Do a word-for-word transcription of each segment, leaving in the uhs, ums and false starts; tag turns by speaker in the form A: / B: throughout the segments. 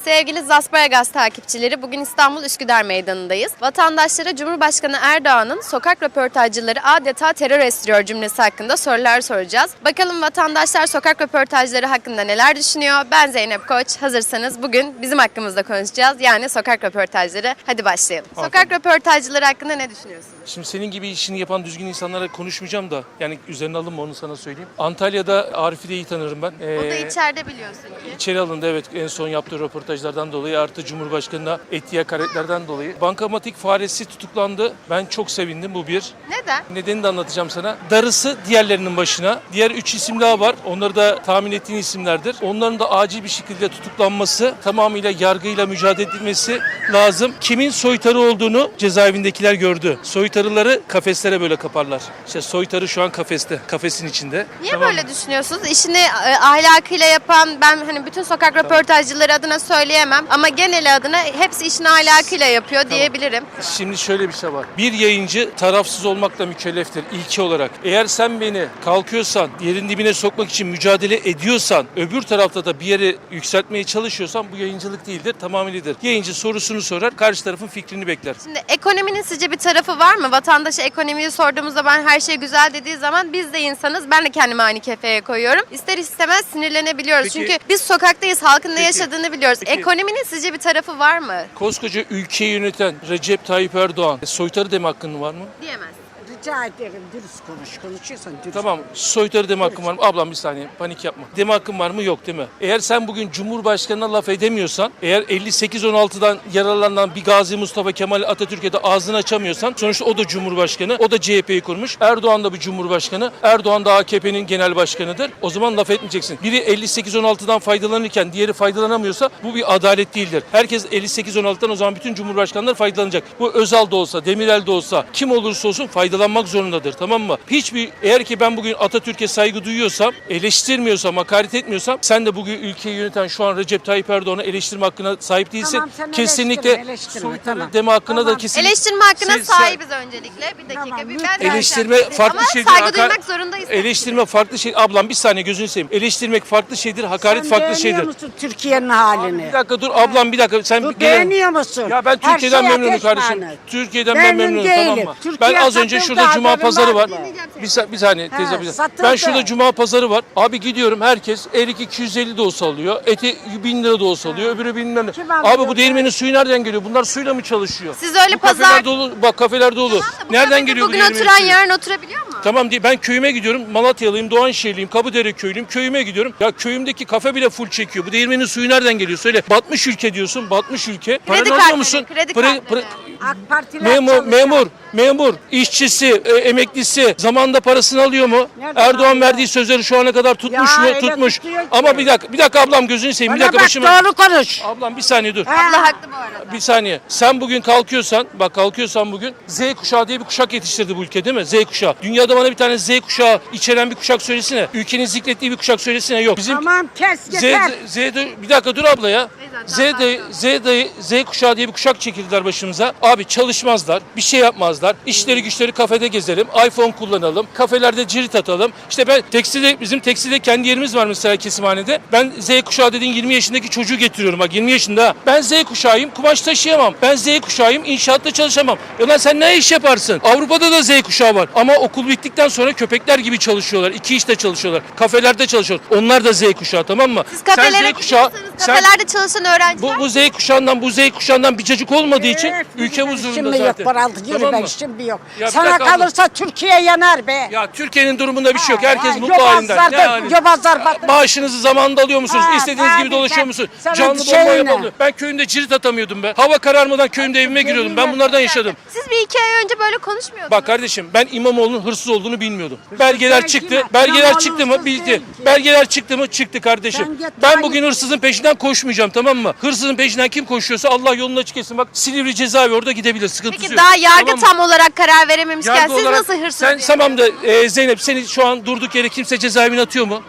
A: Sevgili Zasparagaz takipçileri, bugün İstanbul Üsküdar Meydanı'ndayız. Vatandaşlara Cumhurbaşkanı Erdoğan'ın sokak röportajcıları adeta terör estiriyor cümlesi hakkında sorular soracağız. Bakalım vatandaşlar sokak röportajları hakkında neler düşünüyor? Ben Zeynep Koç. Hazırsanız bugün bizim hakkımızda konuşacağız. Yani sokak röportajları. Hadi başlayalım. Sokak röportajcıları hakkında ne düşünüyorsunuz?
B: Şimdi senin gibi işini yapan düzgün insanlara konuşmayacağım da yani üzerine alınma, onu sana söyleyeyim. Antalya'da Arif'i de iyi tanırım ben. Ee,
A: O da içeride biliyorsun ki.
B: İçeri alındı, evet, en son yaptığı röportajlardan dolayı, artı Cumhurbaşkanı'na ettiği hakaretlerden dolayı. Bankamatik faresi tutuklandı. Ben çok sevindim, bu bir.
A: Neden?
B: Nedenini de anlatacağım sana. Darısı diğerlerinin başına. Diğer üç isim daha var. Onları da tahmin ettiğin isimlerdir. Onların da acil bir şekilde tutuklanması, tamamıyla yargıyla mücadele edilmesi lazım. Kimin soytarı olduğunu cezaevindekiler gördü. Soytarıları kafeslere böyle kaparlar. İşte soytarı şu an kafeste, kafesin içinde.
A: Niye
B: Tamam
A: böyle
B: mı?
A: düşünüyorsunuz? İşini e, ahlakıyla yapan, ben hani bütün sokak röportajcıları adına söyleyemem ama genel adına hepsi işini ahlakıyla yapıyor diyebilirim.
B: Şimdi şöyle bir şey var. Bir yayıncı tarafsız olmakla mükelleftir ilki olarak. Eğer sen beni kalkıyorsan, yerin dibine sokmak için mücadele ediyorsan, öbür tarafta da bir yere yükseltmeye çalışıyorsan bu yayıncılık değildir, tamamıyladır. Yayıncı sorusunu sorar, karşı tarafın fikrini bekler.
A: Şimdi ekonominin sizce bir tarafı var mı? Vatandaşa ekonomiyi sorduğumuzda ben her şey güzel dediği zaman biz de insanız. Ben de kendimi aynı kefeye koyuyorum. İster istemez sinirlenebiliyoruz.
B: Peki-
A: Çünkü biz sokaktayız, halkın ne
B: Peki-
A: yaşadığını biliyoruz.
B: Peki-
A: Ekonominin sizce bir tarafı var mı?
B: Koskoca ülkeyi yöneten Recep Tayyip Erdoğan soytarı deme hakkın var mı?
A: Diyemez.
C: Rica ederim dürüst konuş. Konuşuyorsan dürüst.
B: Tamam, soytarı deme hakkın var mı? Ablam bir saniye, panik yapma. Deme hakkın var mı? Yok, değil mi? Eğer sen bugün Cumhurbaşkanı'na laf edemiyorsan, eğer elli sekiz on altıdan yararlanan bir Gazi Mustafa Kemal Atatürk'e de ağzını açamıyorsan, sonuçta o da Cumhurbaşkanı, o da C H P'yi kurmuş. Erdoğan da bir Cumhurbaşkanı, Erdoğan da A K P'nin genel başkanıdır. O zaman laf etmeyeceksin. Biri elli sekiz on altıdan faydalanırken diğeri faydalanamıyorsa bu bir adalet değildir. Herkes elli sekiz on altıdan, o zaman bütün Cumhurbaşkanları faydalanacak. Bu Özal da olsa, Demirel de olsa, kim olursa olsun faydalanmak zorundadır, tamam mı? Hiçbir, eğer ki ben bugün Atatürk'e saygı duyuyorsam, eleştirmiyorsam, hakaret etmiyorsam, sen de bugün ülkeyi yöneten şu an Recep Tayyip Erdoğan'ı eleştirme hakkına sahip değilsin.
C: Tamam, sen
B: kesinlikle
C: eleştirme, eleştirme,
B: soytarı
C: tamam.
B: deme hakkına
C: Tamam.
B: da kesinlikle.
A: Eleştirme hakkına
B: Siz-
A: sahibiz öncelikle. Bir dakika.
C: Tamam,
A: bir
C: lütfen.
A: ben
B: Eleştirme
A: vereceğim.
B: farklı
A: Ama
B: şeydir.
A: saygı
B: hakar-
A: duymak zorundayız.
B: Eleştirme farklı şey. Ablam bir saniye, gözünü seveyim. Eleştirmek farklı şeydir, hakaret
C: Sen
B: farklı
C: beğeniyor
B: şeydir.
C: musun Türkiye'nin halini?
B: Bir dakika dur ablam, bir dakika. Sen
C: Dur,
B: gene-
C: beğeniyor musun?
B: Ya ben
C: Her
B: Türkiye'den
C: şey
B: memnunum
C: ateş
B: kardeşim.
C: pahane.
B: Türkiye'den ben
C: Memnun
B: memnunum, tamam
C: değilim.
B: mı?
C: Türkiye
B: Ben az önce
C: satıldı,
B: şurada cuma
C: haberim
B: pazarı var.
C: vardı.
B: Bir, sa- bir saniye
C: Ha,
B: teyze bir
C: satıldı.
B: Ben şurada cuma pazarı var. Abi gidiyorum, herkes erik iki yüz elli de olsa alıyor. Eti bin lira da olsa alıyor. Öbürü bilmem ne.
C: Kim alıyor?
B: Abi bu değirmenin suyu nereden geliyor? Bunlar suyla mı çalışıyor?
A: Siz öyle
B: Bu
A: pazar...
B: kafeler dolu. Bak kafeler dolu.
A: Bu
B: Nereden
A: kafede
B: geliyor bu
A: bugün
B: değirmenin
A: oturan
B: suyu?
A: yarın oturabiliyor mu?
B: Tamam değil. Ben köyüme gidiyorum. Malatyalıyım, Doğanşehirliyim, Kapıdere köylüyüm. Köyüme gidiyorum. Ya köyümdeki kafe bile full çekiyor. Bu değirmenin suyu nereden geliyor? Söyle. Batmış ülke diyorsun. Batmış ülke. Paranı alıyor
A: kartları,
B: musun?
A: kredi
B: Pre-
A: kartları.
C: AK Partiler
B: Memur,
C: çalışıyor.
B: memur, memur, işçisi, e, emeklisi zamanında parasını alıyor mu?
C: Nereden
B: Erdoğan
C: alıyor?
B: verdiği sözleri şu ana kadar tutmuş
C: Ya
B: mu?
C: öyle
B: Tutmuş.
C: tutuyor ki.
B: Ama bir dakika, bir dakika ablam, gözünü seveyim. Bir
C: Bana
B: dakika
C: bak,
B: başıma.
C: doğru konuş.
B: Ablam bir saniye dur.
C: Ha.
A: Allah haklı bu arada.
B: Bir saniye. Sen bugün kalkıyorsan, bak kalkıyorsan bugün Z kuşağı diye bir kuşak yetiştirdi bu ülke, değil mi? Z kuşağı. Dünyada bana bir tane Z kuşağı içeren bir kuşak söylesene. Ülkenin zikrettiği bir kuşak söylesene. Yok. Bizim
C: Tamam, kes
B: Z,
C: yeter.
B: Z, Z, bir dakika dur abla ya. Z,
A: Zaten
B: de, Z, de, Z kuşağı diye bir kuşak çekildiler başımıza. Abi çalışmazlar, bir şey yapmazlar. İşleri güçleri kafede gezelim, iPhone kullanalım, kafelerde cirit atalım. İşte ben tekstilde, bizim tekstilde kendi yerimiz var mesela kesimhanede. Ben Z kuşağı dediğin yirmi yaşındaki çocuğu getiriyorum, bak yirmi yaşında. Ben Z kuşağıyım, kumaş taşıyamam. Ben Z kuşağıyım, inşaatta çalışamam. Ya lan sen ne iş yaparsın? Avrupa'da da Z kuşağı var. Ama okul bittikten sonra köpekler gibi çalışıyorlar. İki işte çalışıyorlar. Kafelerde çalışıyorlar. Onlar da Z kuşağı, tamam mı?
A: Siz kafelere
B: sen Z kuşağı,
A: gidiyorsanız
B: sen
A: kafelerde çalışan öğrenciler
B: bu, bu Z kuşağından, bu Z kuşağından bir cacık olmadığı için
C: Evet,
B: ülke
C: ben
B: huzurunda
C: şimdi
B: zaten.
C: yok, paraltı yürü,
B: Tamam
C: ben
B: mı?
C: şimdi yok.
B: Ya bir
C: Sana
B: dakika abla.
C: kalırsa Türkiye yanar be.
B: Ya Türkiye'nin durumunda bir şey yok. Herkes
C: Ha,
B: mutlu halinden.
C: yobazlar
B: Ne
C: da-
B: hali?
C: yobazlar batır.
B: Maaşınızı zamanında alıyor musunuz?
C: Ha,
B: İstediğiniz
C: tabii,
B: gibi dolaşıyor
C: tabii.
B: musunuz?
C: Sana
B: Canlı
C: bir
B: bomba
C: şey ne?
B: yapılıyor. Ben köyümde cirit atamıyordum be. Hava kararmadan köyümde evime giriyordum. Ben bunlardan yaşadım.
A: Siz bir iki ay önce böyle konuşmuyordunuz.
B: Bak kardeşim, ben İmamoğlu'nun hırsız olduğunu bilmiyordum. Belgeler
C: değil
B: çıktı.
C: ki.
B: Belgeler
C: İmamoğlu
B: çıktı mı?
C: hırsız
B: Bildi.
C: değil ki.
B: Belgeler çıktı mı? Çıktı kardeşim.
C: Sen git
B: Ben
C: Tayyip-
B: bugün hırsızın peşinden koşmayacağım, tamam mı? Hırsızın peşinden kim koşuyorsa Allah yolunu açık etsin. Bak Silivri cezaevi, orada gidebilir. Sıkıntısı
A: Peki
B: yok.
A: daha yargı
B: Tamam mı?
A: tam olarak karar verememişken
B: Yargı
A: siz
B: olarak-
A: nasıl hırsız
B: Sen
A: diye-
B: tamam da e, Zeynep, seni şu an durduk yere kimse cezaevine atıyor mu?
A: Hayır.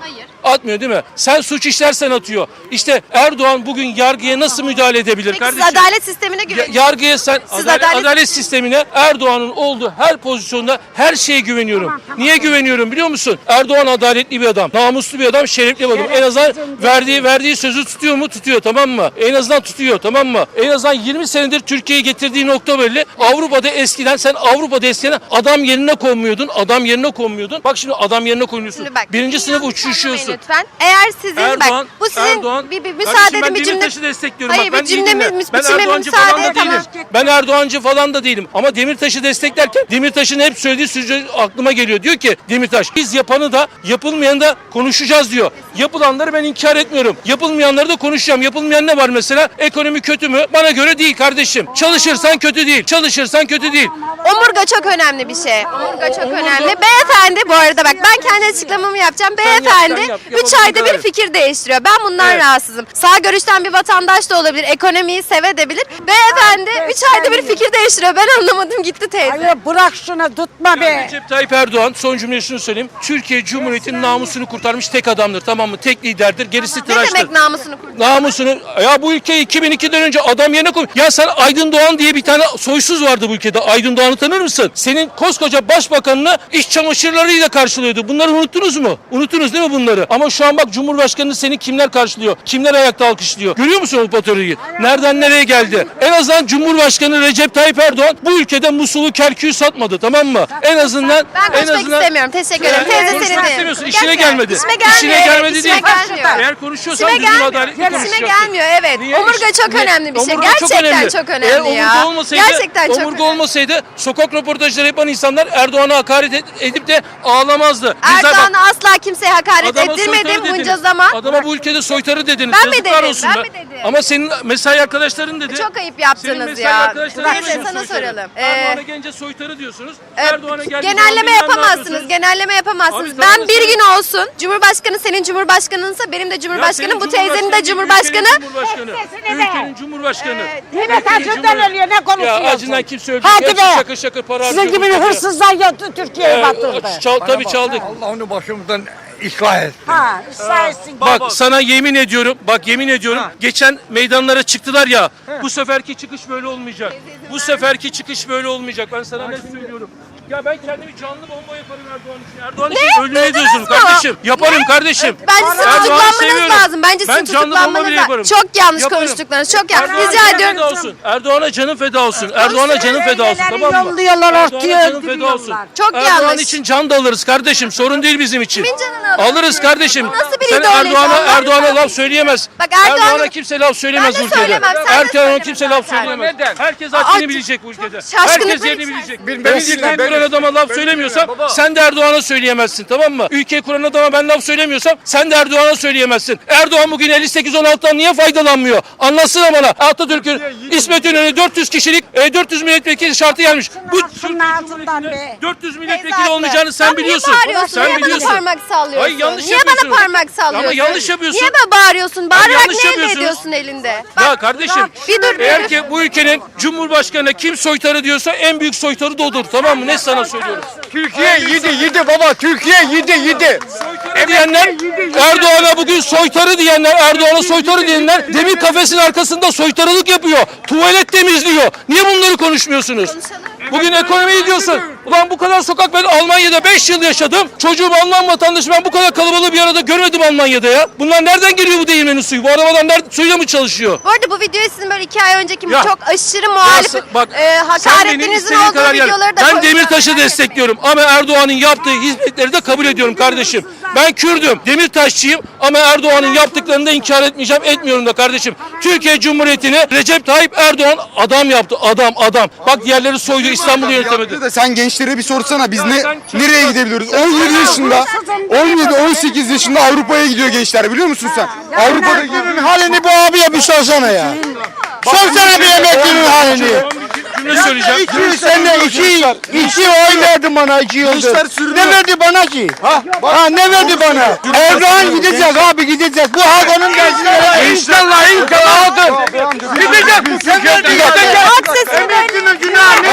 B: Atmıyor değil mi? Sen suç işlersen atıyor. İşte Erdoğan bugün yargıya nasıl müdahale edebilir
A: Peki
B: kardeşim?
A: siz adalet sistemine
B: Ya-
A: güveniyor
B: yargıya sen
A: Siz
B: adalet,
A: adalet-
B: adalet sistemine Erdoğan'ın olduğu her pozisyonda her şeye güveniyorum. Niye güveniyorum biliyor musun? Erdoğan adaletli bir adam, namuslu bir adam, şerefli bir adam. En azından verdiği verdiği sözü tutuyor mu? Tutuyor, tamam mı? En azından tutuyor, tamam mı? En azından yirmi senedir Türkiye'yi getirdiği nokta belli. Avrupa'da eskiden sen Avrupa'da eskiden adam yerine konmuyordun. Adam yerine konmuyordun. Bak şimdi adam yerine konuyorsun.
A: Şimdi bak,
B: Birinci
A: beni
B: sınıf
A: yanlış
B: uçuşuyorsun.
A: anlamayın Lütfen. Eğer sizin
B: Erdoğan,
A: bak bu sizin
B: Erdoğan,
A: bir, bir
B: Kardeşim
A: müsaade
B: ben
A: edin bir cümle.
B: Demirtaş'ı destekliyorum.
A: Hayır
B: Bak,
A: bir
B: ben
A: cümle
B: değilim
A: mi?
B: ya. Ben
A: biçimime
B: Erdoğancı
A: müsaade
B: falan da
A: tamam.
B: değilim. Ben Erdoğancı falan da değilim. Ama Demirtaş'ı desteklerken Demirtaş'ın hep söylediği sözü aklıma geliyor. Diyor ki Demirtaş biz yapanı da yapılmayanı da konuşacağız diyor. Yapılanları ben inkar etmiyorum. Yapılmayanları da konuşacağım. Yapılmayan ne var mesela? Ekonomi kötü mü? Bana göre değil kardeşim. Çalışırsan kötü değil. Çalışırsan kötü değil.
A: Omurga çok önemli bir şey. Omurga çok önemli. Beyefendi bu arada bak ben kendi açıklamamı yapacağım.
B: yap, sen
A: Beyefendi
B: yap.
A: üç
B: Yapabilirsin,
A: ayda bir
B: evet.
A: fikir değiştiriyor. Ben bundan
B: Evet.
A: rahatsızım. Sağ görüşten bir vatandaş da olabilir. Ekonomiyi sevebilir. Beyefendi üç ayda bir fikir değiştiriyor. Ben anlamadım gitti teyze.
C: Hayır bırak şunu tutma be.
B: Recep Tayyip Erdoğan son cümle şunu söyleyeyim. Türkiye Cumhuriyeti'nin namusunu kurtarmış tek adamdır, tamam mı? Tek liderdir. Gerisi
A: Ne
B: tıraştır.
A: demek namusunu kurtarıyor?
B: Namusunu ya bu ülkeyi iki bin ikiden önce adam yerine koy. Ya sen Aydın Doğan diye bir tane soysuz vardı bu ülkede. Aydın Doğan'ı tanır mısın? Senin koskoca başbakanını iş çamaşırlarıyla karşılıyordu. Bunları unuttunuz mu? Unuttunuz değil mi bunları? Ama şu an bak Cumhurbaşkanını seni kimler karşılıyor? Kimler ayakta alkışlıyor? Görüyor musun o patronu? Nereden nereye geldi? En azından Cumhurbaşkanı Recep Tayyip Erdoğan bu ülkede Musul'u Kerkük'ü satmadı, tamam mı? En azından
A: Ben
B: en
A: konuşmak
B: azından
A: istemiyorum. Teşekkür ederim.
B: Eğer
A: Teyze
B: konuşmak
A: seni
B: istemiyorsun,
A: de.
B: işine
A: Gelmiyor.
B: gelmedi.
A: İşime gelmiyor.
B: İşine
A: evet,
B: gelmedi
A: işime
B: değil.
A: gelmiyor.
B: Eğer konuşuyorsan
A: İşime
B: düzgün
A: gelmiyor.
B: adaletli
A: İşime
B: konuşacaksın.
A: gelmiyor evet.
B: Niye?
A: Omurga çok
B: Niye?
A: önemli bir şey.
B: Omurga çok
A: Gerçekten
B: önemli.
A: çok
B: Eğer
A: önemli
B: omurga
A: ya.
B: olmasaydı,
A: Gerçekten çok
B: omurga
A: önemli.
B: olmasaydı sokak röportajları yapan insanlar Erdoğan'a hakaret ed- edip de ağlamazdı. Bizler bak,
A: Erdoğan'a asla kimseye hakaret
B: adama
A: ettirmedim
B: soytarı
A: bunca
B: dediniz.
A: zaman.
B: Adama bu ülkede soytarı dediniz.
A: Ben mi
B: Yazıklar
A: dedim?
B: olsun
A: Ben
B: be.
A: mi dedim?
B: Ama senin mesai arkadaşların dedi.
A: Çok ayıp
B: Senin
A: yaptınız
B: mesai
A: ya.
B: arkadaşların
A: Teyze
B: dedi
A: sana
B: soytarı.
A: soralım.
B: Erdoğan'a
A: Ee,
B: gelince soytarı diyorsunuz.
A: e,
B: Erdoğan'a geldiği zaman
A: genelleme
B: bilmem ne
A: yapamazsınız.
B: yapıyorsunuz.
A: Genelleme yapamazsınız.
B: Abi tamam
A: Ben
B: da
A: bir
B: sen-
A: gün olsun. Cumhurbaşkanı senin cumhurbaşkanınsa benim de
B: Ya
A: cumhurbaşkanım.
B: senin
A: Bu teyzenin de
B: Cumhurbaşkanı
A: cumhurbaşkanı.
B: değil, Ülkenin Cumhurbaşkanı. Ülkenin Cumhurbaşkanı.
C: Yine
B: Ülkenin
C: taşından
B: Cumhur-
C: ölüyor ne konuşuyorsun?
B: Ya acından kimse öldü.
C: Hadi
B: Gerçi
C: be.
B: şakır şakır para
C: Sizin
B: harcıyor
C: gibi
B: bu ülkede.
C: hırsızlar yattı Türkiye'yi
B: Ee,
C: batırdı.
B: çal, tabii çaldık.
D: Allah onu başımızdan ıslah etsin.
C: Ha, ıslah etsin.
B: Bak sana yemin ediyorum, bak yemin ediyorum. Geçen meydanlara çıktılar ya. Bu seferki çıkış böyle olmayacak. Bu seferki çıkış böyle olmayacak. Ben sana ne söylüyorum? Ya ben kendimi canlı bomba yaparım Erdoğan için. Erdoğan için ölümüne
A: Duydunuz
B: diyorsun
A: mu?
B: kardeşim. Yaparım kardeşim.
A: Bence sizin
B: Erdoğan'ı
A: tutuklanmanız
B: seviyorum.
A: lazım. Bence sizin
B: Ben canlı bomba
A: tutuklanmanız
B: bile
A: lazım.
B: yaparım.
A: Çok yanlış
B: Yaparım.
A: konuştuklarınız. Çok yanlış.
B: Erdoğan'a
A: Rica
B: canın
A: ediyorum.
B: feda olsun. Erdoğan'a canın feda olsun. Erdoğan'a canın feda olsun,
C: Neleri
B: tamam mı?
C: yolluyorlar,
B: Erdoğan'a
C: ortaya
B: canın feda olsun.
C: öldürüyorlar.
A: Çok
B: Erdoğan
A: yanlış.
B: için can da alırız kardeşim. Sorun değil bizim için.
A: Kimin canını alıyorsun?
B: Alırız kardeşim.
A: Nasıl bir
B: Sen
A: ideoloji?
B: Erdoğan'a
A: Allah'ını
B: Erdoğan'a
A: seversen.
B: laf söyleyemez.
A: Bak Erdoğan'ın-
B: Erdoğan'a kimse laf söyleyemez
A: Ben de
B: bu ülkede.
A: söylemem, sen de
B: Erdoğan'a
A: söyleme
B: kimse laf
A: zaten.
B: söyleyemez.
D: Neden?
B: Herkes
A: Aa,
B: haddini
A: çok
B: bilecek bu ülkede.
A: şaşkınlıklar
B: Herkes yerini
A: içerisinde.
B: bilecek.
D: Beni
B: Ben
D: dinle,
B: sistem
D: beni-
B: kuran adama laf
D: beni
B: söylemiyorsam
D: dinle baba.
B: sen de Erdoğan'a söyleyemezsin, tamam mı? Ülkeyi kuran adama ben laf söylemiyorsam sen de Erdoğan'a söyleyemezsin. Erdoğan bugün elli sekiz on altıdan niye faydalanmıyor? Anlatsana bana. Atatürk'ün İsmet İnönü dört yüz kişilik e, dört yüz milletvekili şartı gelmiş. Bu
C: Şunun ağzından be.
B: dört yüz
A: Teyze
B: milletvekili
A: haklı.
B: olmayacağını sen
A: Sen
B: biliyorsun.
A: Niye bağırıyorsun?
B: Sen
A: niye
B: biliyorsun.
A: bana parmak sallıyorsun?
B: Hayır, yanlış
A: niye
B: yapıyorsun.
A: bana parmak sallıyorsun?
B: Ama yanlış yapıyorsun.
A: Niye bana bağırıyorsun? Bağırarak
B: yanlış
A: ne elde
B: yapıyorsunuz.
A: ediyorsun elinde?
B: Ya
A: Bak,
B: kardeşim
A: bir dur, bir
B: eğer
A: dur.
B: ki bu ülkenin Cumhurbaşkanı kim soytarı diyorsa en büyük soytarı da odur, tamam mı? Ne sana söylüyorum.
D: Türkiye yedi yedi baba. Türkiye yedi yedi.
B: Soytarı diyenler Erdoğan'a bugün soytarı diyenler Erdoğan'a soytarı diyenler demir kafesin arkasında soytarılık yapıyor. Tuvalet temizliyor. Niye bunları konuşmuyorsunuz? Bugün ekonomiyi diyorsun. Ulan bu kadar sokak ben Almanya'da beş yıl yaşadım. Çocuğum Alman vatandaşı ben bu kadar kalabalığı bir arada görmedim Almanya'da ya. Bunlar nereden geliyor bu değirmenin suyu? Bu arabadan nerede, suyla mı çalışıyor?
A: Bu arada bu videoyu sizin böyle iki ay önceki
B: Ya.
A: çok aşırı muhalif
B: Ya sen- bak,
A: e,
B: sen benim
A: hakaretinizin
B: istediğin
A: olduğu
B: kadar yer-
A: videoları da
B: Ben
A: koyacağım.
B: Demirtaş'ı
A: Merak
B: destekliyorum ama Erdoğan'ın yaptığı hizmetleri de kabul ediyorum kardeşim. Ben Kürdüm, Demirtaşçıyım ama Erdoğan'ın yaptıklarını da inkar etmeyeceğim, etmiyorum da kardeşim. Türkiye Cumhuriyeti'ni Recep Tayyip Erdoğan adam yaptı, adam, adam. Bak diğerleri soydu, İstanbul'u yönetemedi.
E: Yaptı da sen gençlere bir sorsana biz
B: Ya
E: ne
B: sen çok-
E: nereye gidebiliyoruz? on yedi yaşında, on yedi on sekiz yaşında Avrupa'ya gidiyor gençler biliyor musun sen? Avrupa'da gidiyor.
D: Halini bu abiye bir sorsana ya. Sorsana bir emeklinin halini.
B: Son bir cümle söyleyeceğim.
D: iki yüz sene iki, iki oy verdi bana iki yıldır.
E: Gençler sürünüyor.
D: Ne verdi bana ki? Ha, ha ne verdi bana? Erdoğan gidecek abi gidecek. Bu halk onun gençlere. İnşallah inşallah halkın. Gidecek bu Türkiye'de gidecek.
A: Halk sesini
D: Emeklinin
A: duyun.
D: günahı
A: Halk
D: ne?
A: sesini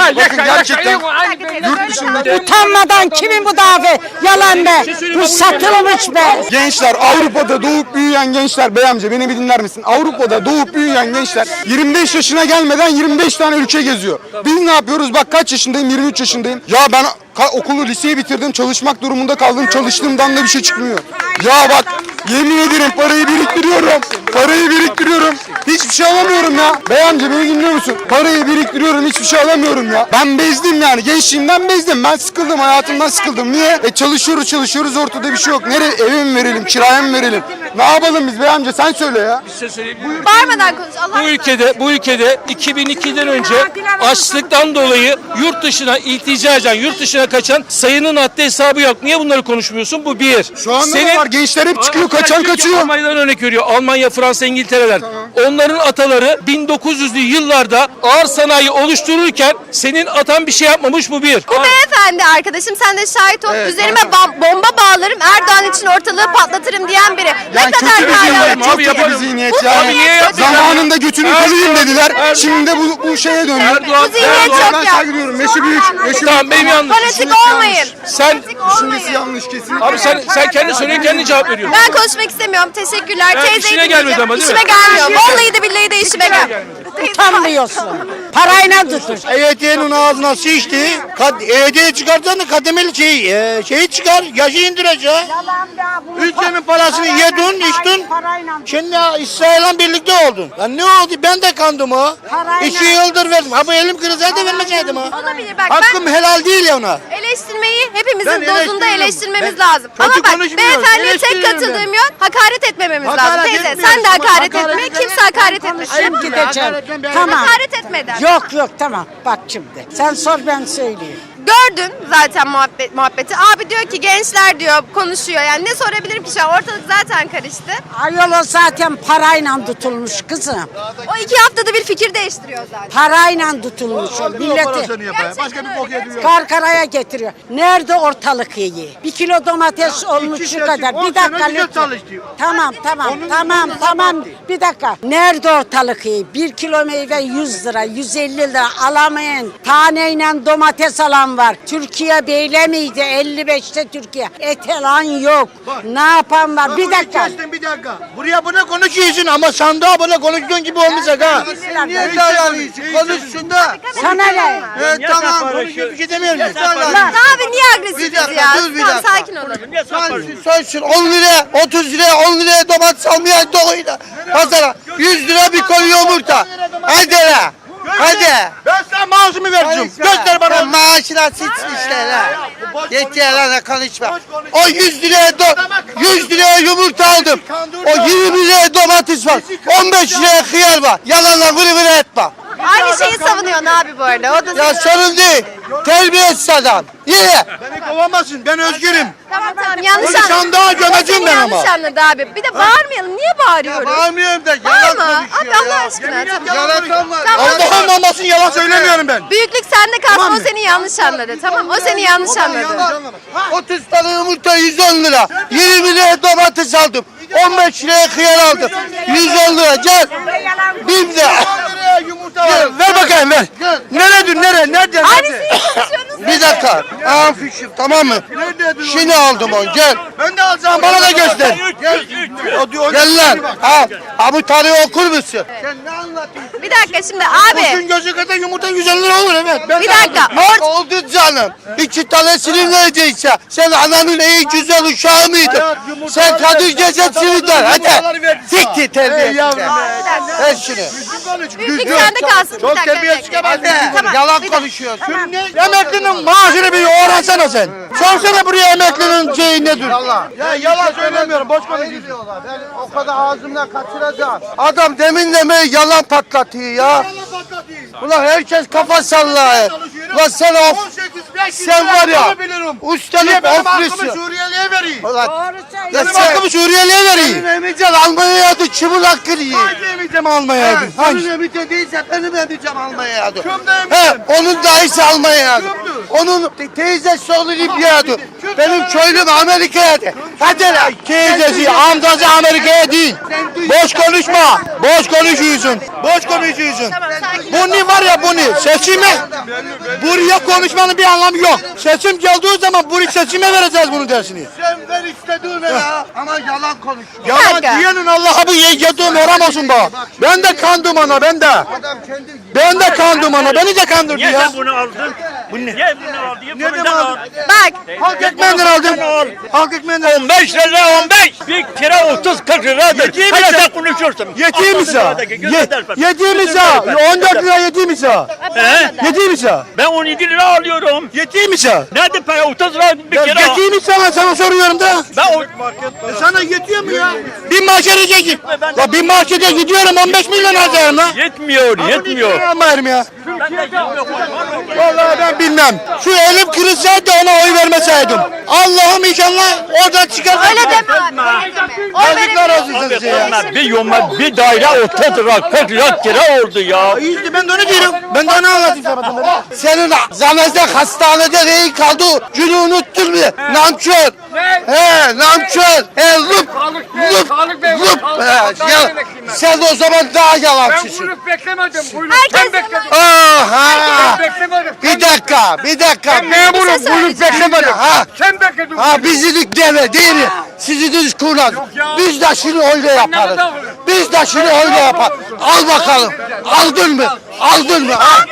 E: bakın gerçekten
A: Yurt
E: dışında
C: Utanmadan kimin bu davet? Yalan be. Bu satılmış be.
E: gençler, Avrupa'da doğup büyüyen gençler, bey amca beni bir dinler misin? Avrupa'da doğup büyüyen gençler yirmi beş yaşına gelmeden yirmi beş tane ülke geziyor. Biz ne yapıyoruz? Bak kaç yaşındayım? yirmi üç yaşındayım. Ya ben ka- okulu, liseyi bitirdim, çalışmak durumunda kaldım. Çalıştığımdan da bir şey çıkmıyor. Ya bak yemin ederim parayı biriktiriyorum. Parayı biriktiriyorum. Hiçbir şey alamıyorum ya. Bey amca beni dinliyor musun? Parayı biriktiriyorum, hiçbir şey alamıyorum ya. Ben bezdim yani. Gençliğimden bezdim. Ben sıkıldım, hayatımdan sıkıldım. Niye? E çalışıyoruz çalışıyoruz, ortada bir şey yok. Nereye? Eve mi verelim, kiraya mı verelim? Ne yapalım biz bey amca, sen söyle ya.
B: Bir şey söyleyeyim mi?
A: Bağırmadan konuş. Allah
B: Bu ülkede bu ülkede iki bin ikiden önce açlıktan dolayı yurt dışına iltica eden, yurt dışına kaçan sayının haddi hesabı yok. Niye bunları konuşmuyorsun? Bu bir.
E: Şu anda da var. Gençler hep çıkıyor, kaçan kaçıyor.
B: Almanya'dan örnek veriyor. Almanya, Fransa, İngiltere'den. Onların ataları bin dokuz yüzlü yıllarda ağır sanayi oluştururken senin atan bir şey yapmamış, bu bir.
A: Bu beyefendi arkadaşım, sen de şahit ol. Üzerime bam- bomba bağlarım, Erdoğan için ortalığı patlatırım diyen biri. Ne
E: Yani
A: kadar
E: kötü bir
A: hala-
E: zihniyet,
B: Abi
E: çok kötü bir
B: yaparım.
E: zihniyet
A: Bu
E: yani.
A: zihniyet
B: niye
A: çok
B: yapıyorsun?
E: Zamanında götünü
B: Erdoğan-
E: kırayım dediler.
B: Erdoğan-
E: Şimdi de bu, bu şeye döndü.
B: Erdoğan-
A: Bu zihniyet
B: Erdoğan-
A: çok
E: Ben
A: ya.
E: saygı duyuyorum. Yaşı büyük. Yaşı
B: Tamam, benim yanlış.
A: Fanatik olmayın.
B: Sen
A: Fanatik olmayın.
E: Düşüncesi yanlış kesinlikle.
B: abi sen sen kendi soruyorsun, kendi cevap veriyorsun.
A: Ben konuşmak istemiyorum. Teşekkürler.
B: Ben
A: Teyze
B: işine
A: dinleyeceğim.
B: gelmedi ama, değil mi?
A: İşime gelmiyor. Vallahi de billahi de işime gelmiyor.
C: Utanmıyorsun. Parayla tutun.
D: E Y T'nin ağzına sıçtı. Kad E Y T'yi çıkartan da kademeli şey, e, şeyi çıkar. Yaşı indireceği. Ülkenin parasını yedin, içtin. Şimdi İsrail'le birlikte oldun. Lan ne oldu? Ben de kandım o.
C: Parayla.
D: İki yıldır verdim. Ha bu elim kırılsaydı vermeseydim ha.
A: Olabilir bak,
D: Hakkım
A: ben
D: helal değil ya ona.
A: eleştirmeyi hepimizin
D: Ben
A: dozunda
D: eleştiriyorum.
A: eleştirmemiz
D: Ben
A: lazım.
D: kötü
A: Ama bak,
D: konuşmuyorum,
A: beyefendiye tek
D: eleştiriyorum
A: katıldığım yön hakaret etmememiz lazım.
D: Hakaret
A: Teyze
D: etmiyorum.
A: sen de hakaret
D: Hakaret
A: etme.
D: eden-
A: Kimse hakaret etmesin.
C: Konuşayım gideceğim. Tamam.
A: Hakaret etmeden.
C: Yok yok tamam. Bak şimdi. Sen sor ben söyleyeyim.
A: Gördün zaten muhabbet, muhabbeti. Abi diyor ki gençler diyor konuşuyor. Yani ne sorabilirim ki şu an? Ortalık zaten karıştı.
C: Ayol o zaten parayla tutulmuş kızım.
A: O iki haftada bir fikir değiştiriyor zaten.
C: Parayla tutulmuş o milleti.
A: Başka bir bok yediyor.
C: Karkaraya getiriyor. Nerede ortalık iyi? Bir kilo domates olmuş şu kadar. Bir dakika lütfen. Tamam tamam tamam tamam. Bir dakika. Nerede ortalık iyi? Bir kilo meyve yüz lira, yüz elli lira alamayan taneyle domates alan var. Türkiye böyle miydi? elli beşte Türkiye. Et alan yok. Ne yapan var? Bir dakika.
D: Bir dakika. Buraya bunu konuşuyorsun ama sandığa bunu konuştuğun gibi olmayacak ha.
C: Sen niye
D: davranıyorsun? Konuşsun da.
C: Sana ne?
D: Evet tamam. Konuşuyor bir şey demiyorum.
A: Abi niye agresifiz
D: Bir dakika,
A: ya?
D: dur bir
A: Tamam,
D: dakika.
A: sakin olalım.
D: Soysun on lira, otuz lira, on liraya domates almayan doğuyla. Pazara yüz lira bir koli yumurta. Hadi la. Hadi. Ben sana maaşımı vereceğim. Göster bana. Sen maaşına sıçsın işte la. Yeter lan konuşma. O yüz liraya do yüz liraya yumurta aldım. O yirmi liraya domates var. on beş liraya hıyar var. Yalanla vırı vırı etme.
A: Aynı şeyi savunuyorsun abi bu arada. O da
D: Ya sorun değil. Terbiyesiz adam. Yine. Beni kovamazsın. Ben özgürüm.
A: Tamam tamam yanlış
D: Onu
A: anladın.
D: sandığa gömeceğim
A: O seni
D: ben ama.
A: yanlış anladı abi. Bir de bağırmayalım. Niye bağırıyoruz?
D: Bağırmıyorum da
A: Bağırma.
D: yalan konuşuyor
A: Abi
D: ya.
A: Allah aşkına. Tamam.
D: Yalan var.
A: Tamam.
D: Allah'ım olmasın yalan söylemiyorum ben.
A: Büyüklük sende kalsın, o seni yanlış anladı. Tamam, o seni yanlış anladı.
D: otuz tane yumurta yüz on lira. yirmi liraya domates aldım. on beş liraya hıyar aldım. yüz on lira gel. Bir de. Gel, ver bakayım ver. Neredir nere? Nerede?
A: Aynısını konuşuyorsunuz.
D: Bir dakika. Aa fişim tamam mı? Şimdi aldım onu gel. Ben de alacağım. Bana da göster. Gel. Gel lan. Ha, ha bu tarihi okur musun? Sen ne anlatıyorsun?
A: Bir dakika şimdi
D: Bugün
A: abi.
D: gözü kadar yumurta yüz elli lira olur evet. Ben
A: Bir
D: de
A: dakika,
D: aldım.
A: or-
D: Oldu canım. İki tanesini vereceksin. Sen ananın en güzel uşağı mıydın? Sen kadın gecesini ver. Hadi. Siktir terbiyesiz. Ver şunu.
A: Büyüklük sende kalsın. Bir
D: Çok
A: dakika,
D: terbiyesiz
A: bir dakika.
D: Hadi.
A: Tamam,
D: Yalan
A: bir dakika.
D: konuşuyorsun. Emeklinin maaşını bir öğrensene sen. Sorsana buraya emeklinin şeyi nedir? Ya yalan söylemiyorum. Boş konuşuyorsun. Ben o kadar ağzımdan kaçıracağım. Adam demin demeyi yalan patlatıyor ya. Ulan herkes kafa sallıyor. Ulan sen of. Sen var ya. Ustalık oflusun.
F: Suriyeli'ye vereyim.
D: Ulan. Ya
F: Benim
D: sen
F: hakkımı
D: Suriyeli'ye vereyim. Benim emicem Almanya'ya adı çımıl hakkı yiyin.
F: Hangi emicem almaya
D: Ha,
F: yadın?
D: Senin emicem değilse benim emicem Almanya'ya adı.
F: Kimde emicem?
D: He, onun dayısı Almanya'ya adı.
F: Kimdir?
D: Onun te- teyzesi oğlu Libya'ya adı. Benim köylüm Amerika'ya de. Hadi lan.
F: Teyzesi, amcası Amerika'ya değil. Boş konuşma. Boş konuşuyorsun. Boş konuşuyorsun.
A: Tamam, sakin ol.
F: Bunu var ya bunu seçime buraya konuşmanın bir anlamı yok. Seçim geldiği zaman buraya seçime vereceğiz bunun dersini.
D: Sen ver istediğine ya. Ama yalan konuş.
F: Yalan
A: dakika.
F: diyenin Allah'a bu yediğim haram olsun bak. Ben de kandım ana ben de. Ben de kandım ana beni de kandırdı
G: Niye
F: ya.
G: sen bunu aldın? Bu ne? Niye bunu aldın? Niye
F: Nereden
G: bunu
F: aldın?
G: aldın?
A: Bak
F: Halk ekmeğinden aldım. Halk ekmeğinden
G: on beş lira on beş. Bir kira otuz kırk liradır.
F: Yediğim
G: Hala
F: ise-
G: sen konuşuyorsun.
F: Yediğimiz ya.
G: Altı lira da-
F: Yediğimiz ya. on dört lira yediğimiz ya.
G: He?
F: Yediğimiz ya.
G: Ben on yedi lira alıyorum.
F: Yediğimiz ya.
G: Nerede para? otuz lira bir kira.
F: Yediğimiz sana sana soruyorum da.
G: Ben o...
F: E sana yetiyor mu ya? Bir markete gidecek. Ya bir markete gidiyorum on beş milyon harcarım lan.
G: Yetmiyor, yetmiyor.
F: Almayırım ya.
G: Ben de yetmiyor.
F: Vallahi ben bilmem. Şu elim kırılsaydı ona oy vermeseydim. Allah'ım inşallah oradan çıkar.
A: öyle deme abi. Öyle deme. Oy
F: Yazıklar
A: verebilirsin.
F: olsun
G: Abi
F: size ya.
G: onlar bir yoma bir daire otuz lira kırk lira kira oldu ya.
F: İyi ben de onu diyorum. Ben de onu anlatayım sana.
D: Senin zanezde hastanede rehin kaldı. Günü unuttun mu? Namkör. He namkör. He lup. Lup. Lup. He, ya, sen o zaman daha yalancısın.
H: beklemedim. Buyruk.
A: Herkes
D: Aha.
H: Beklemedim.
D: Bir dakika, bir dakika.
A: memurum,
H: Buyruk
A: söyleyeceğim.
H: beklemedim.
D: Ha,
H: Sen bekledin.
D: ha bizilik deve değil mi? Sizi düz kullan. Biz de şimdi öyle yaparız. Biz de şimdi öyle yaparız. Al bakalım. Aldın mı? Aldın mı? Ha?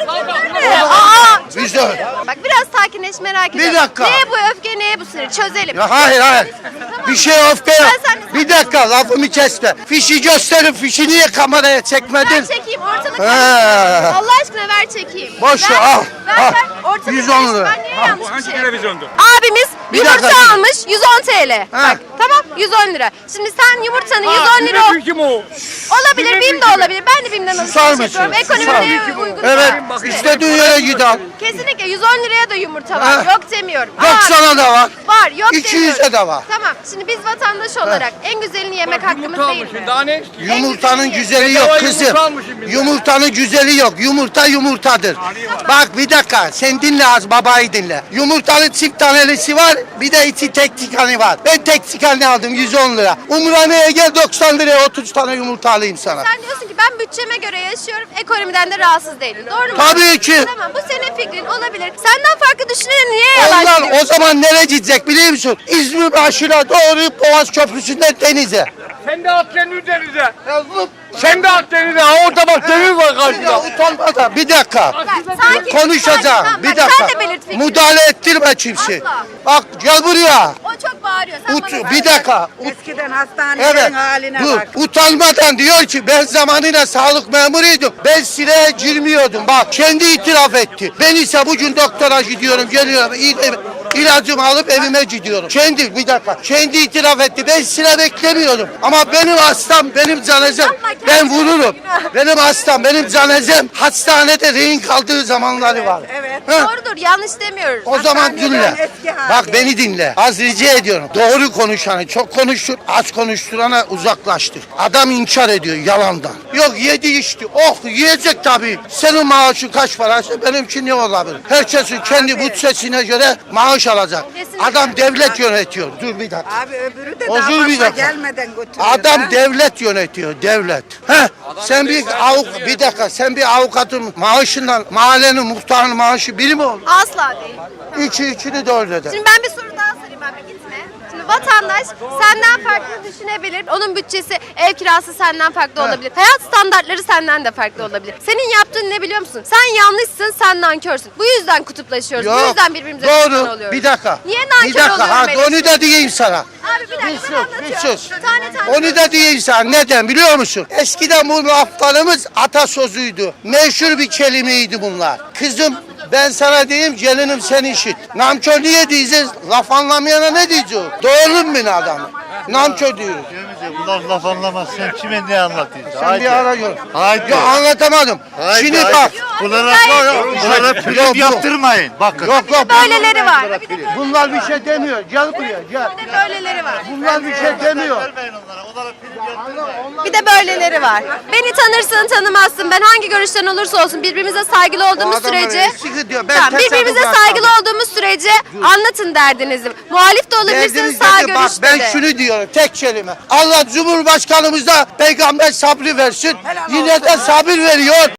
A: Aa,
D: Biz de.
A: bak biraz sakinleş merak
D: Bir
A: ediyorum.
D: dakika.
A: Neye bu öfke, neye bu sinir? Çözelim.
D: Ya hayır hayır. Bir şey öfke yok.
A: Ben sen-
D: Bir dakika lafımı kesme. Fişi gösterin. Fişi niye kameraya çekmedin?
A: Ver çekeyim ortalık.
D: He.
A: karışsın. Allah aşkına ver çekeyim.
D: Boş ver,
A: Ver,
D: al,
A: Ver
D: al.
A: ver ortalık
D: yüz on lira.
A: karışsın. Ben niye yanlış bir şey
G: televizyondu?
A: Abimiz
D: Bir
A: yumurta
D: dakika.
A: almış yüz on T L. Bak tamam yüz on lira. Şimdi sen yumurtanın yüz on lira ol-
G: Kim o?
A: olabilir. BİM de olabilir. Ben de BİM'den
D: Susar
A: alışveriş
D: mısın?
A: yapıyorum. Ekonomiye uygun.
D: Evet.
A: İşte.
D: İstediğin yere git al.
A: Kesinlikle yüz on liraya da yumurta var.
D: Ha.
A: Yok demiyorum.
D: doksan'a da var.
A: Var yok
D: iki yüze
A: demiyorum.
D: de var.
A: Tamam. Şimdi biz vatandaş olarak en güzelini yemek hakkımız değil mi?
H: Daha ne istiyorsun?
D: Yumurtanın güzeli yok kızım. Yumurtanın güzeli yok. Yumurta yumurtadır. Bak bir dakika sen dinle az babayı dinle. Yumurtanın çift tanelisi var bir de içi tek tikanı var. Ben tek tikanı aldım yüz on lira. Umraniye'ye gel doksan liraya otuz tane yumurta alayım sana.
A: Sen diyorsun ki ben bütçeme göre yaşıyorum, ekonomiden de rahatsız değilim. Doğru mu?
D: Tabii ki.
A: Tamam bu senin fikrin olabilir. Senden farklı düşünene niye yalan
D: Onlar
A: söylüyorsun?
D: o zaman nereye gidecek biliyor musun? İzmir aşırı doğru Boğaz Köprüsü'nden denize.
H: Sen de at kendini denize. Sen de at denize. Ha orada bak deniz var
D: Ya
H: karşıda.
D: utanmadan bir dakika.
A: Bak, sakin,
D: Konuşacağım.
A: sakin.
D: Bir
A: Bak,
D: dakika.
A: Sen de belirt fikrini.
D: Müdahale ettirme kimse.
A: Asla.
D: Bak gel buraya.
A: O çok bağırıyor. Sen
D: Ut,
A: bana
D: bir dakika. Ut,
C: Eskiden hastanelerin
D: evet.
C: haline
D: Dur.
C: bak.
D: Utanmadan diyor ki ben zamanıyla sağlık memuruydum. Ben sıraya girmiyordum. Bak kendi itiraf etti. Ben ise bugün doktora gidiyorum, geliyorum. İl, ilacımı alıp evime gidiyorum. Kendi bir dakika. Kendi itiraf etti. Ben sıra beklemiyordum. Ama benim hastam, benim canezem.
A: Yapma,
D: Ben
A: kendisi
D: vururum.
A: günah.
D: Benim hastam, benim canezem hastanede rehin kaldığı zamanları var.
C: Evet.
D: Ha?
A: Doğrudur, yanlış demiyoruz.
D: O zaman
C: Hastaneden
D: dinle.
C: eski hali.
D: Bak beni dinle. Az rica ediyorum. Doğru konuşanı çok konuştur, az konuşturana uzaklaştır. Adam inkar ediyor yalandan. Yok yedi içti. Oh yiyecek tabii. Senin maaşın kaç paraysa benimki ne olabilir? Herkesin kendi bütçesine göre maaş alacak.
A: Kesinlikle.
D: Adam devlet yönetiyor. Dur bir dakika.
C: Abi öbürü de
D: O
C: daha
D: dur bir
C: fazla
D: dakika.
C: gelmeden götürüyor.
D: Adam
C: ha.
D: devlet yönetiyor, devlet. Heh, sen bir avuk, bir dakika, sen bir avukatın maaşından mahallenin muhtarının maaşı biri mi olur?
A: Asla değil.
D: İki, ikini de öyle de.
A: Şimdi ben bir soru daha sorayım abi gitme. Şimdi vatandaş senden farklı düşünebilir. Onun bütçesi, ev kirası senden farklı olabilir. Hayat standartları senden de farklı olabilir. Senin yaptığın ne biliyor musun? Sen yanlışsın, sen nankörsün. Bu yüzden kutuplaşıyoruz. Bu yüzden birbirimize düşman
D: doğru.
A: oluyoruz.
D: Bir dakika.
A: Niye nankör
D: Bir dakika.
A: oluyorum
D: Ha,
A: Elif?
D: onu da diyeyim sana.
A: Abi bir dakika
D: Bir
A: ben
D: sus, bir
A: anlatıyorum.
D: sus.
A: Tane tane.
D: Onu da diyeyim sana. Neden biliyor musun? Eskiden bu laflarımız atasözüydü. Meşhur bir kelimeydi bunlar. Kızım ben sana diyeyim gelinim sen işit. Namkör niye diyeceğiz? Laf anlamayana ne diyeceğiz? Doğru mu bir adam? Namkör diyoruz.
I: Bunlar laf anlamaz. Sen kime ne anlatıyorsun?
D: Sen bir ara gör.
I: Haydi.
D: Yok anlatamadım.
I: Haydi,
D: Şimdi
I: haydi.
D: bak.
I: Bunlara,
A: Gayet iyi.
I: bunlara
D: Yok,
I: prim
D: yok.
I: yaptırmayın. Bakın.
D: Yok yok.
A: Böyleleri var. Bir de böyle-
D: Bunlar bir şey demiyor. Gel buraya gel.
A: bir de böyleleri var.
D: Bunlar bir şey demiyor.
I: Vermeyin onlara. Onlara prim yaptırmayın.
A: Bir de böyleleri var. Beni tanırsın tanımazsın. Ben hangi görüşten olursa olsun birbirimize saygılı olduğumuz
D: adamların
A: sürece
D: eski saygı diyor. Ben
A: Tamam,
D: tesadüf
A: birbirimize
D: yapmadım.
A: saygılı olduğumuz sürece anlatın derdinizi. Muhalif de olabilirsiniz,
D: Derdimiz
A: sağ
D: nedir? Bak
A: görüşte
D: ben
A: de.
D: şunu diyorum tek kelime. Allah Cumhurbaşkanımıza peygamber sabrı versin. Yine de sabır veriyor.